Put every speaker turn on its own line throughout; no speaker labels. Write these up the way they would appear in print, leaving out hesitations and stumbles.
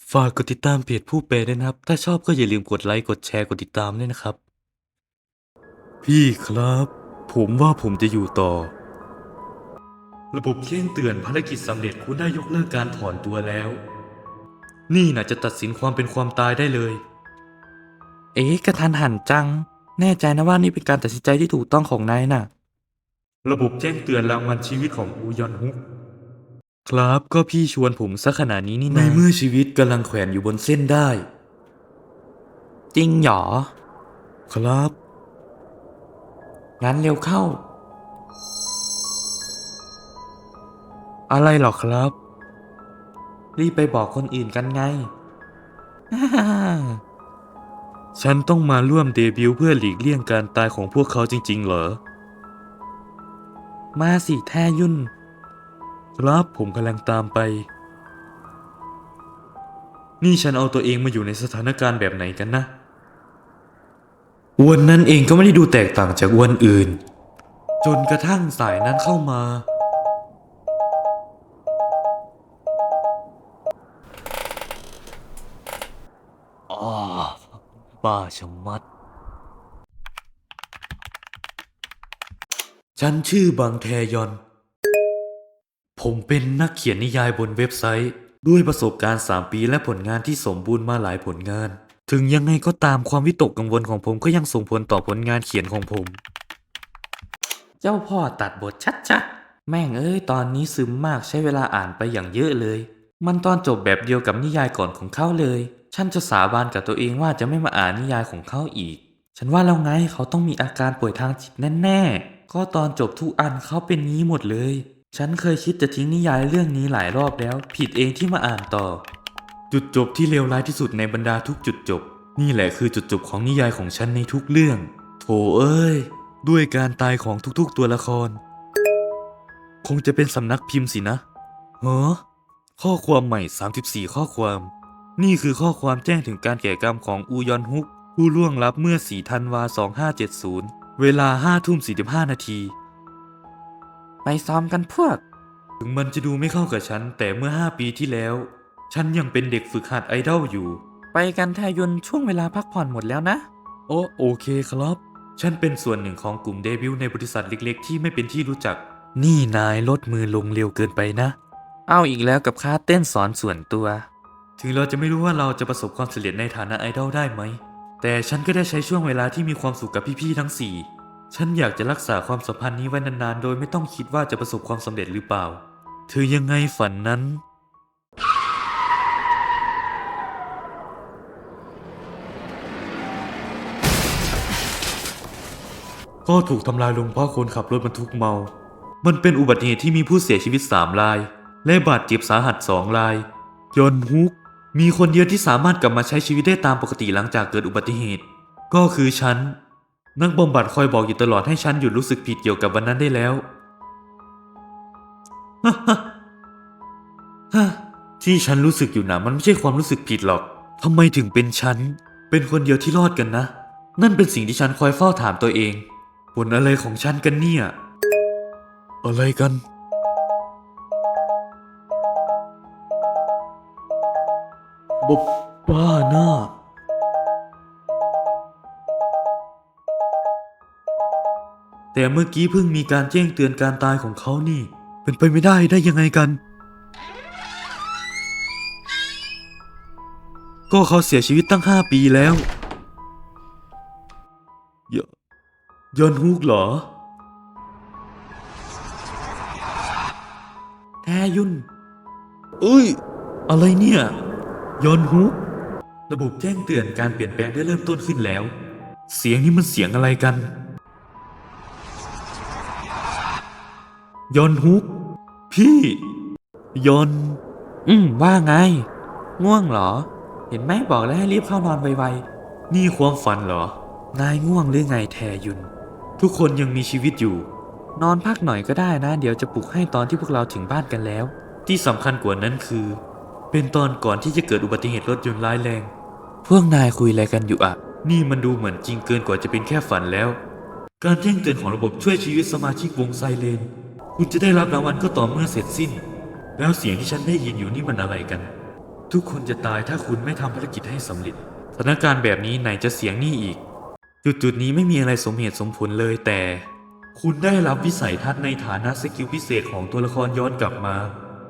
ฝากกดติดตามเพจผู้แปลด้วยนะครับถ้าชอบก็อย่าลืมกดไลค์กดแชร์กดติดตามด้วยนะครับพี่ครับผมว่าผมจะอยู่ต่อระบบแจ้งเตือนภารกิจสำเร็จคุณได้ยกเลิกการถอนตัวแล้วนี่น่ะจะตัดสินความเป็นความตายได้เลยกระทันหันจังแน่ใจนะว่านี่เป็นการตัดสินใจที่ถูกต้องของนายน่ะระบบแจ้งเตือนรางวัลชีวิตของอูยอนฮุกครับก็พี่ชวนผมซะขนาดนี้นี่นะในเมื่อชีวิตกำลังแขวนอยู่บนเส้นได้จริงหรอครับงั้นเร็วเข้าอะไรหรอครับรีบไปบอกคนอื่นกันไง ฉันต้องมาร่วมเดบิวต์เพื่อหลีกเลี่ยงการตายของพวกเขาจริงๆเหรอมาสิแท้ยุ่นครับผมกำลังตามไปนี่ฉันเอาตัวเองมาอยู่ในสถานการณ์แบบไหนกันนะอวนนั้นเองก็ไม่ได้ดูแตกต่างจากอวนอื่นจนกระทั่งสายนั้นเข้ามาอ้าบ้าชะมัดฉันชื่อบางแทยอน ผมเป็นนักเขียนนิยายบนเว็บไซต์ด้วยประสบการณ์3 ปีและผลงานที่สมบูรณ์มาหลายผลงานถึงยังไงก็ตามความวิตกกังวลของผมก็ยังส่งผลต่อผลงานเขียนของผมเจ้าพ่อตัดบทชัดๆแม่งเอ้ยตอนนี้ซึมมากใช้เวลาอ่านไปอย่างเยอะเลยมันตอนจบแบบเดียวกับนิยายก่อนของเขาเลยฉันจะสาบานกับตัวเองว่าจะไม่มาอ่านนิยายของเขาอีกฉันว่าแล้วไงเขาต้องมีอาการป่วยทางจิตแน่ๆก็ตอนจบทุกอันเขาเป็นงี้หมดเลยฉันเคยคิดจะทิ้งนิยายเรื่องนี้หลายรอบแล้วผิดเองที่มาอ่านต่อจุดจบที่เลวร้ายที่สุดในบรรดาทุกจุดจบนี่แหละคือจุดจบของนิยายของฉันในทุกเรื่องโถเอ้ยด้วยการตายของทุกๆตัวละครคงจะเป็นสำนักพิมพ์สินะเฮ้อข้อความใหม่34ข้อความนี่คือข้อความแจ้งถึงการแก่กรรมของอูยอนฮุกผู้ล่วงลับเมื่อ4 ธันวาคม 2570เวลา 5:45 นาทีไปซ้อมกันพวกถึงมันจะดูไม่เข้ากับฉันแต่เมื่อ5 ปีที่แล้วฉันยังเป็นเด็กฝึกหัดไอดอลอยู่ไปกันแทยุนช่วงเวลาพักผ่อนหมดแล้วนะโอเคครับฉันเป็นส่วนหนึ่งของกลุ่มเดบิวต์ในบริษัทเล็กๆที่ไม่เป็นที่รู้จักนี่นายลดมือลงเร็วเกินไปนะเอาอีกแล้วกับค่าเต้นสอนส่วนตัวถึงเราจะไม่รู้ว่าเราจะประสบความสำเร็จในฐานะไอดอลได้ไหมแต่ฉันก็ได้ใช้ช่วงเวลาที่มีความสุขกับพี่ๆทั้ง4ฉันอยากจะรักษาความสัมพันธ์นี้ไว้นานๆโดยไม่ต้องคิดว่าจะประสบความสำเร็จหรือเปล่าถือยังไงฝันนั้นก็ถูกทำลายลงเพราะคนขับรถบรรทุกเมามันเป็นอุบัติเหตุที่มีผู้เสียชีวิต3 รายและบาดเจ็บสาหัส2 รายยอนฮุกมีคนเดียวที่สามารถกลับมาใช้ชีวิตได้ตามปกติหลังจากเกิดอุบัติเหตุก็คือฉันนักบำบัดคอยบอกอยู่ตลอดให้ฉันหยุดรู้สึกผิดเกี่ยวกับวันนั้นได้แล้ว ที่ฉันรู้สึกอยู่นะมันไม่ใช่ความรู้สึกผิดหรอกทำไมถึงเป็นฉันเป็นคนเดียวที่รอดกันนะนั่นเป็นสิ่งที่ฉันคอยเฝ้าถามตัวเองผลอะไรของฉันกันเนี่ยอะไรกันบบบ้าหน้าแต่เมื่อกี้เพิ่งมีการแจ้งเตือนการตายของเขานี่เป็นไปไม่ได้ยังไงกันก็เขาเสียชีวิตตั้ง5 ปีแล้วยยอนฮุกเหรอแทยุนเอ้ยอะไรเนี่ยยอนฮุกระบบแจ้งเตือนการเปลี่ยนแปลงได้เริ่มต้นขึ้นแล้วเสียงนี้มันเสียงอะไรกันยอนฮุกพี่ยอนว่าไงง่วงเหรอเห็นไหมบอกแล้วให้รีบเข้านอนไวๆนี่ความฝันเหรอนายง่วงหรือไงแทยุนทุกคนยังมีชีวิตอยู่นอนพักหน่อยก็ได้นะเดี๋ยวจะปลุกให้ตอนที่พวกเราถึงบ้านกันแล้วที่สำคัญกว่านั้นคือเป็นตอนก่อนที่จะเกิดอุบัติเหตุรถยนต์ร้ายแรงพวกนายคุยอะไรกันอยู่อะนี่มันดูเหมือนจริงเกินกว่าจะเป็นแค่ฝันแล้วการแจ้งเตือนของระบบช่วยชีวิตสมาชิกวงไซเรนคุณจะได้รับรางวัลก็ต่อเมื่อเสร็จสิ้นแล้วเสียงที่ฉันได้ยินอยู่นี่มันอะไรกันทุกคนจะตายถ้าคุณไม่ทำภารกิจให้สำเร็จสถานการณ์แบบนี้ไหนจะเสียงนี่อีก จุดนี้ไม่มีอะไรสมเหตุสมผลเลยแต่ คุณได้รับวิสัยทัศน์ในฐานะสกิลพิเศษของตัวละครย้อนกลับมา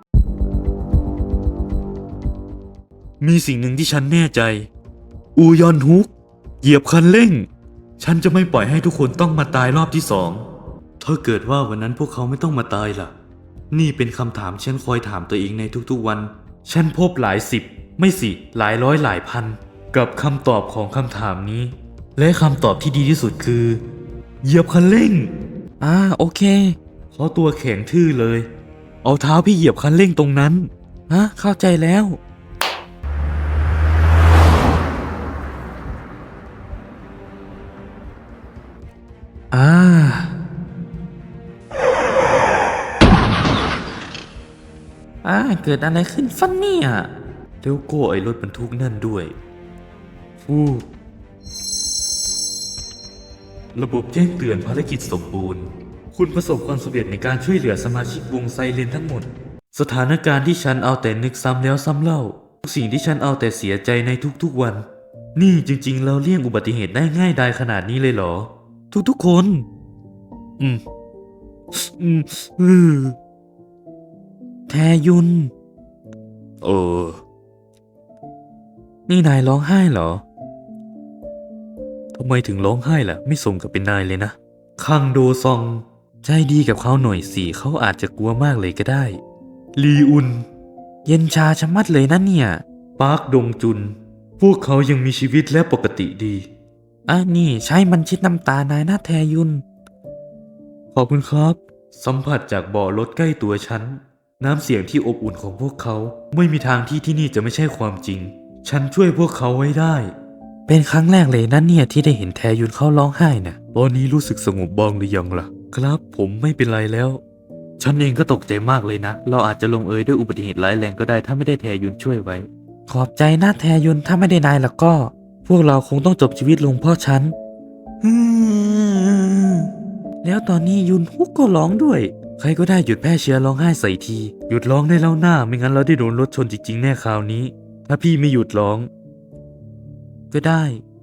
มีสิ่งหนึ่งที่ฉันแน่ใจ อูยอนฮุก เหยียบคันเร่ง ฉันจะไม่ปล่อยให้ทุกคนต้องมาตายรอบที่สอง ถ้าเกิดว่าวันนั้นพวกเขาไม่ต้องมาตายล่ะ นี่เป็นคำถามฉันคอยถามตัวเองในทุกๆวัน ฉันพบหลายสิบ ไม่สิ หลายร้อยหลายพัน กับคำตอบของคำถามนี้ และคำตอบที่ดีที่สุดคือ เหยียบคันเร่ง โอเคเขาตัวแข็งทื่อเลย เอาเท้าพี่เหยียบคันเร่งตรงนั้น เข้าใจแล้ว เกิดอะไรขึ้นฟันเนี่ยแล้วก็ไอ้รถบรรทุกนั่นด้วยระบบแจ้งเตือนภารกิจสมบูรณ์ คุณประสบความสำเร็จในการช่วยเหลือสมาชิกวงไซเรนทั้งหมด สถานการณ์ที่ฉันเอาแต่นึกซ้ำแล้วซ้ำเล่าทุกสิ่งที่ฉันเอาแต่เสียใจในทุกๆวัน นี่จริงๆเราเลี่ยงอุบัติเหตุได้ง่ายดายขนาดนี้เลยเหรอ ทุกๆคน อืม อืมอืมแทยุน นี่นายร้องไห้เหรอ ทำไมถึงร้องไห้ล่ะ ไม่สมกับเป็นนายเลยนะ คังโดซอง ใจดีกับเขาหน่อยสิเขาอาจจะกลัวมากเลยก็ได้ ลีอุน เย็นชาชะมัดเลยนะเนี่ย ปาร์คดงจุน พวกเขายังมีชีวิตและปกติดี นี่ใช่มันชิดน้ำตานายนะแทยุน ขอบคุณครับ สัมผัสจากบ่อรถใกล้ตัวฉัน น้ำเสียงที่อบอุ่นของพวกเขา ไม่มีทางที่นี่จะไม่ใช่ความจริง ฉันช่วยพวกเขาไว้ได้ เป็นครั้งแรกเลยนะเนี่ยที่ได้เห็นแทยุนเขาร้องไห้นะตอนนี้รู้สึกสงบบ้างหรือยังล่ะ ครับผมไม่เป็นไรแล้ว ฉันเองก็ตกใจมากเลยนะ เราอาจจะลงเอยด้วยอุบัติเหตุร้ายแรงก็ได้ถ้าไม่ได้แทยุนช่วยไว้ ขอบใจนะแทยุนถ้าไม่ได้นายแล้วก็ พวกเราคงต้องจบชีวิตลงเพราะฉัน แล้วตอนนี้ยุนฮุกก็ร้องด้วย ใครก็ได้หยุดแพร่เชื้อร้องไห้ใส่ที หยุดร้องได้แล้วหน้าไม่งั้นเราได้โดนรถชนจริงๆแน่คราวนี้ ถ้าพี่ไม่หยุดร้อง ก็ได้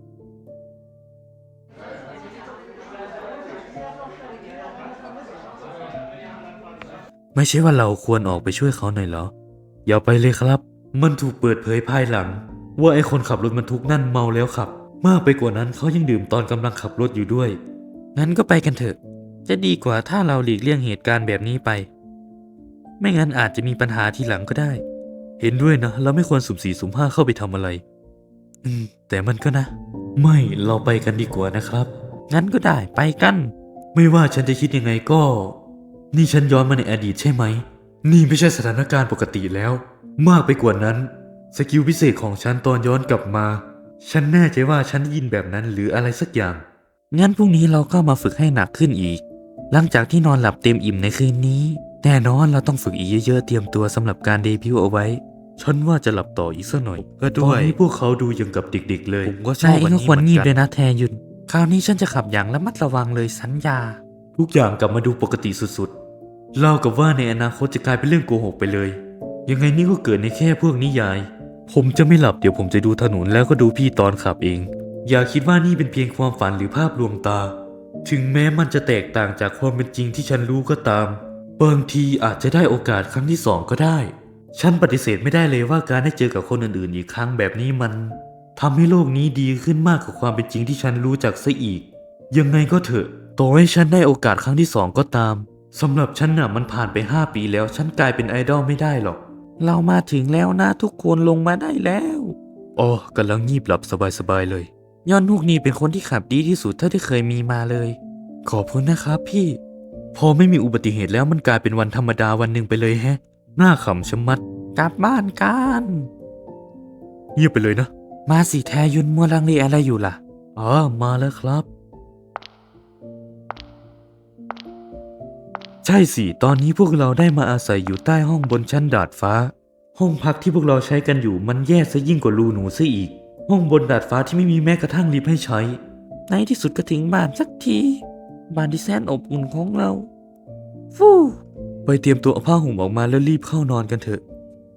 ไม่ใช่ว่าเราควรออกไปช่วยเขาหน่อยเหรอ อย่าไปเลยครับ มันถูกเปิดเผยภายหลัง ว่าไอ้คนขับรถบรรทุกนั่นเมาแล้วขับ มากไปกว่านั้นเขายังดื่มตอนกำลังขับรถอยู่ด้วย งั้นก็ไปกันเถอะ จะดีกว่าถ้าเราหลีกเลี่ยงเหตุการณ์แบบนี้ไป ไม่งั้นอาจจะมีปัญหาทีหลังก็ได้ เห็นด้วยนะ เราไม่ควรสุ่มสี่สุ่มห้าเข้าไปทำอะไร แต่มันก็นะ ไม่เราไปกันดีกว่านะครับ งั้นก็ได้ไปกัน ไม่ว่าฉันจะคิดยังไงก็ นี่ฉันย้อนมาในอดีตใช่ไหม นี่ไม่ใช่สถานการณ์ปกติแล้ว มากไปกว่านั้น สกิลพิเศษของฉันตอนย้อนกลับมา ฉันแน่ใจว่าฉันได้ยินแบบนั้นหรืออะไรสักอย่าง งั้นพรุ่งนี้เราก็มาฝึกให้หนักขึ้นอีก หลังจากที่นอนหลับเต็มอิ่มในคืนนี้ แน่นอนเราต้องฝึกอีกเยอะๆเตรียมตัวสำหรับการเดบิวต์เอาไว้ ฉันว่าจะหลับต่ออีกสักหน่อย ก็ด้วยตอนนี้พวกเขาดูยังกับเด็กๆเลย ผมก็ชอบวันนี้เหมือนกัน ด้วยนะแทยุน คราวนี้ฉันจะขับอย่างระมัดระวังเลยสัญญา ทุกอย่างกลับมาดูปกติสุดๆ เล่ากับว่าในอนาคตจะกลายเป็นเรื่องโกหกไปเลย ยังไงนี่ก็เกิดในแค่พวกนิยาย ผมจะไม่หลับเดี๋ยวผมจะดูถนนแล้วก็ดูพี่ตอนขับเอง อย่าคิดว่านี่เป็นเพียงความฝันหรือภาพลวงตา ถึงแม้มันจะแตกต่างจากความเป็นจริงที่ฉันรู้ก็ตาม บางทีอาจจะได้โอกาสครั้งที่สองก็ได้ ฉันปฏิเสธไม่ได้เลยว่าการได้เจอกับคนอื่นๆอีกครั้งแบบนี้มันทำให้โลกนี้ดีขึ้นมากกว่าความเป็นจริงที่ฉันรู้จักซะอีก ยังไงก็เถอะ ต่อให้ฉันได้โอกาสครั้งที่สองก็ตามสำหรับฉันน่ะมันผ่านไป5 ปีแล้วฉันกลายเป็นไอดอลไม่ได้หรอก เรามาถึงแล้วนะทุกคนลงมาได้แล้วกำลังงีบหลับสบายๆเลยยอนฮุกนี่เป็นคนที่ขับดีที่สุดเท่าที่เคยมีมาเลย ขอบคุณนะครับพี่ พอไม่มีอุบัติเหตุแล้วมันกลายเป็นวันธรรมดาวันหนึ่งไปเลยแฮะ หน้าขำชะมัด กลับบ้านกันเงียบไปเลยนะ มาสิแทยุนมัวลังเลอะไรอยู่ล่ะมาแล้วครับ ใช่สิตอนนี้พวกเราได้มาอาศัยอยู่ใต้ห้องบนชั้นดาดฟ้า ห้องพักที่พวกเราใช้กันอยู่มันแย่ซะยิ่งกว่ารูหนูซะอีก ห้องบนดาดฟ้าที่ไม่มีแม้กระทั่งลิฟต์ให้ใช้ ในที่สุดก็ถึงบ้านสักที บ้านที่แสนอบอุ่นของเรา ฟู่ไปเตรียมตัวเอาผ้าห่มออกมาแล้วรีบเข้านอนกันเถอะ โก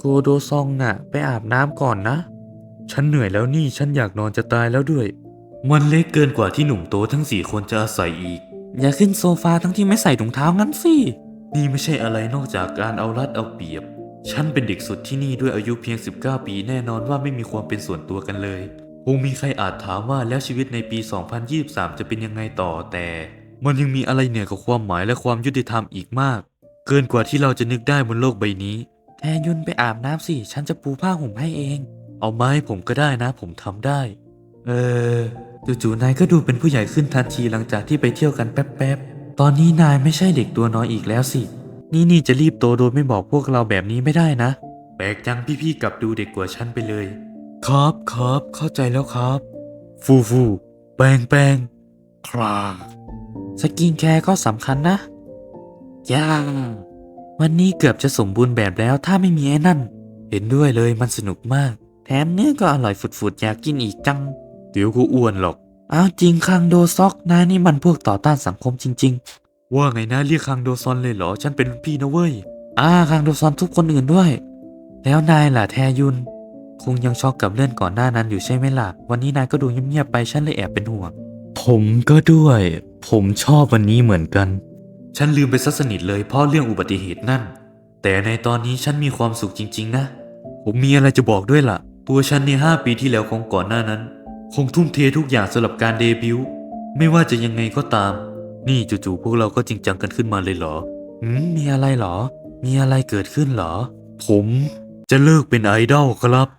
โดซองน่ะไปอาบน้ำก่อนนะ ฉันเหนื่อยแล้วนี่ฉันอยากนอนจะตายแล้วด้วย มันเล็กเกินกว่าที่หนุ่มโตทั้ง4 คนจะอาศัยอีก อย่าขึ้นโซฟาทั้งที่ไม่ใส่ถุงเท้างั้นสิ นี่ไม่ใช่อะไรนอกจากการเอารัดเอาเปรียบ ฉันเป็นเด็กสุดที่นี่ด้วยอายุเพียง 19 ปีแน่นอนว่าไม่มีความเป็นส่วนตัวกันเลย คงมีใครอาจถามว่าแล้วชีวิตในปี 2023 จะเป็นยังไงต่อแต่ มันยังมีอะไรเหนือกว่าความหมายและความยุติธรรมอีกมาก เกินกว่าที่เราจะนึกได้บนโลกใบนี้ แทยุนไปอาบน้ำสิ ฉันจะปูผ้าห่มให้เอง เอาไมาให้ผมก็ได้นะ ผมทำได้ จู่ๆนายก็ดูเป็นผู้ใหญ่ขึ้นทันทีหลังจากที่ไปเที่ยวกันแป๊บๆ ตอนนี้นายไม่ใช่เด็กตัวน้อยอีกแล้วสิ นี่จะรีบโตโดยไม่บอกพวกเราแบบนี้ไม่ได้นะ แปลกจังพี่ๆกลับดูเด็กกว่าฉันไปเลย ครับเข้าใจแล้วครับ ฟูแปลงคราสกินแคร์ก็สำคัญนะย่าวันนี้เกือบจะสมบูรณ์แบบแล้วถ้าไม่มีไอ้นั่น เห็นด้วยเลยมันสนุกมาก แถมเนื้อก็อร่อยฝุดๆอยากกินอีกจัง เดี๋ยวก็อ้วนหรอก อ้าวจริงคังโดซอกนายนี่มันพวกต่อต้านสังคมจริงๆ ว่าไงนะเรียกคังโดซอนเลยเหรอ ฉันเป็นพี่นะเว้ย คังโดซอนทุกคนอื่นด้วย แล้วนายล่ะแทยุน คงยังช็อกกับเรื่องก่อนหน้านั้นอยู่ใช่ไหมล่ะ วันนี้นายก็ดูเงียบๆไปฉันเลยแอบเป็นห่วง ผมก็ด้วย ผมชอบวันนี้เหมือนกัน ฉันลืมไปซะสนิทเลยเพราะเรื่องอุบัติเหตุนั่น แต่ในตอนนี้ฉันมีความสุขจริงๆนะ ผมมีอะไรจะบอกด้วยล่ะ ตัวฉันใน5 ปีที่แล้วของก่อนหน้านั้น คงทุ่มเททุกอย่างสำหรับการเดบิวต์ไม่ว่าจะยังไงก็ตาม นี่จู่ๆพวกเราก็จริงจังกันขึ้นมาเลยเหรอมีอะไรเหรอ มีอะไรเกิดขึ้นเหรอ ผมจะเลิกเป็นไอดอลครับ